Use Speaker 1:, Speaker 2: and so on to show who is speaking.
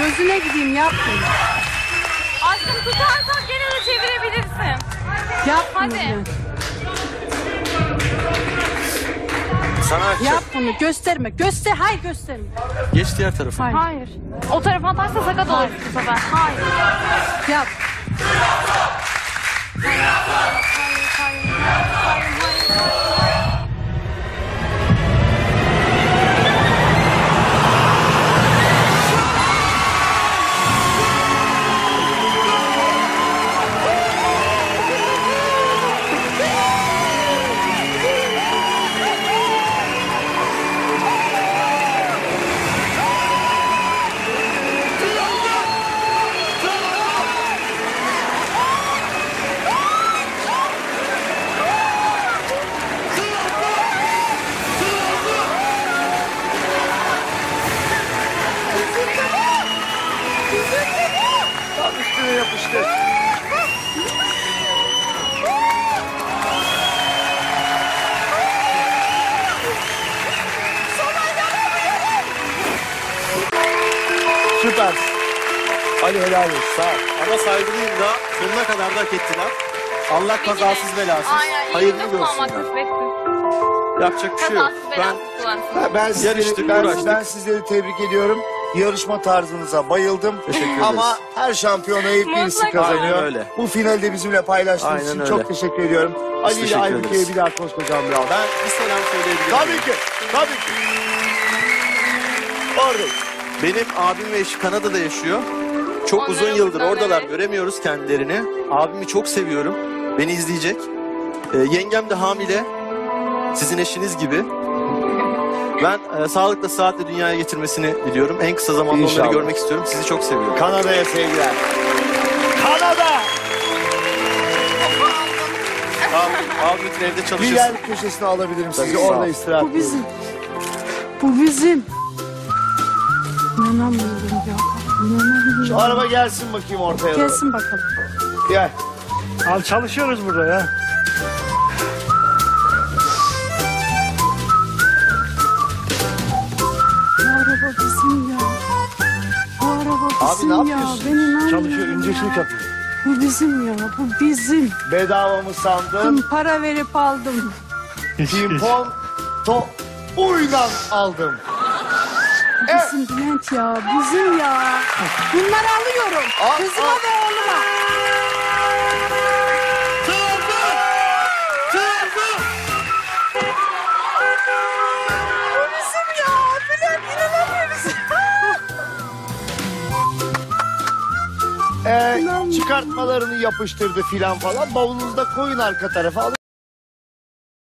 Speaker 1: Gözüne gideyim, yapmayın.
Speaker 2: Aşkım tutarsak gene de çevirebilirsin.
Speaker 1: Yapmayın.
Speaker 2: Hadi.
Speaker 3: Sana
Speaker 1: Yap bunu, gösterme. Hayır gösterme.
Speaker 3: geç diğer tarafa.
Speaker 1: Hayır.
Speaker 2: Hayır. O tarafa atarsa sakat olur bu sefer. Hayır.
Speaker 1: Yap.
Speaker 4: Tam üstüne yapıştı. Süper. Ali helal olsun. Sağ ol.
Speaker 3: Ama saygılıyım da sonuna kadar da hak ettiler. Allah kazasız belasız.
Speaker 2: Aynen.
Speaker 3: Hayırlı
Speaker 2: Hayırlı
Speaker 3: olsun.
Speaker 2: kullanmak nasip etsin.
Speaker 3: Yapacak bir şey yok.
Speaker 2: Kazasız belasız kullansın.
Speaker 3: Yarıştık,
Speaker 4: Ben sizleri tebrik ediyorum. Yarışma tarzınıza bayıldım.
Speaker 3: Teşekkür ederiz.
Speaker 4: Ama her şampiyonayı birisi
Speaker 2: Mutlaka.
Speaker 4: kazanıyor.
Speaker 3: Aynen öyle.
Speaker 4: Bu finalde bizimle paylaştığınız
Speaker 3: Aynen
Speaker 4: için
Speaker 3: öyle.
Speaker 4: çok teşekkür ediyorum. Ali ile
Speaker 3: teşekkür
Speaker 4: Aybüke'ye
Speaker 3: ederiz.
Speaker 4: bir daha koskocaman bir alkış.
Speaker 3: Ben bir selam söyleyebilirim.
Speaker 4: Tabii ki. Tabii ki. Oradayım.
Speaker 3: Benim abim ve eşi Kanada'da yaşıyor. Çok
Speaker 2: Onlara
Speaker 3: uzun yıldır
Speaker 2: buradan
Speaker 3: oradalar.
Speaker 2: evet.
Speaker 3: Göremiyoruz kendilerini. Abimi çok seviyorum. Beni izleyecek. Yengem de hamile. Sizin eşiniz gibi. Ben sağlıkla sıhhatle dünyaya getirmesini diliyorum. En kısa zamanda
Speaker 4: İnşallah.
Speaker 3: onları görmek istiyorum. Sizi çok seviyorum.
Speaker 4: Kanada'ya sevgiler. Kanada!
Speaker 3: Abimin evde
Speaker 4: Bir
Speaker 3: çalışırsın.
Speaker 4: yer köşesine alabilirim sizi.
Speaker 3: Tabii, sağ
Speaker 4: Orada
Speaker 3: ol.
Speaker 4: istirahat
Speaker 1: Bu bizim. Bu bizim. İnanamıyorum ya. İnanamıyorum.
Speaker 4: Şu araba gelsin bakayım ortaya. doğru.
Speaker 1: Gelsin bakalım.
Speaker 4: Gel.
Speaker 5: Abi çalışıyoruz burada ya.
Speaker 1: Bu araba bizim ya. Bu araba bizim
Speaker 4: ne
Speaker 1: ya.
Speaker 4: yapıyorsun?
Speaker 1: Ben inanmıyorum
Speaker 5: Çalışıyor,
Speaker 1: ya.
Speaker 5: inceklik yapıyor.
Speaker 1: Bu bizim ya. Bu bizim.
Speaker 4: Bedava mı sandın?
Speaker 1: Para verip aldım.
Speaker 4: Pimpon to uylan aldım.
Speaker 1: Bizim Bülent ya. Bizim ya. Bunları alıyorum. Kızıma ve oğluma. Bu bizim ya. Bülent inanamıyoruz.
Speaker 4: Çıkartmalarını yapıştırdı filan falan. Bavulunuzu da koyun arka tarafa alın